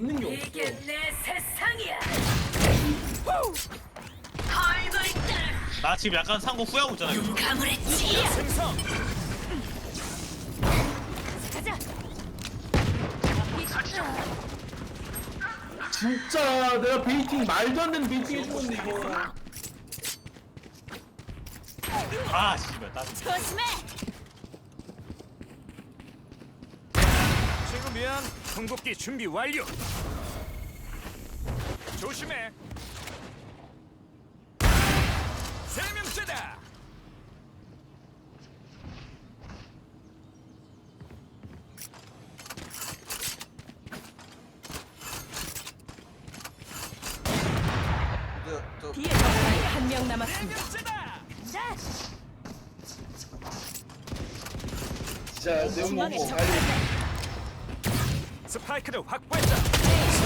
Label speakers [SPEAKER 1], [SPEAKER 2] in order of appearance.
[SPEAKER 1] 있는 게
[SPEAKER 2] 이게
[SPEAKER 1] 없어.
[SPEAKER 2] 내 세상이야.
[SPEAKER 3] 나 지금 약간 상고 후회하고 있잖아. 이거.
[SPEAKER 2] 가물했지.
[SPEAKER 4] 생성.
[SPEAKER 2] 가자.
[SPEAKER 1] 진짜 내가 베이팅 말도 안 되는 베이팅 해주는데 이거.
[SPEAKER 3] 아 씨발 나.
[SPEAKER 2] 조심해.
[SPEAKER 4] 친구 미안. 궁극기 준비 완료. 조심해. 세 명째다.
[SPEAKER 2] 뒤에 적군이 한 명
[SPEAKER 4] 세
[SPEAKER 2] 남았습니다.
[SPEAKER 4] 명째다.
[SPEAKER 2] 자,
[SPEAKER 1] 진짜 내용
[SPEAKER 2] 중앙에
[SPEAKER 1] 보고
[SPEAKER 2] 적.
[SPEAKER 1] 빨리.
[SPEAKER 4] 스파이크를 확보했다.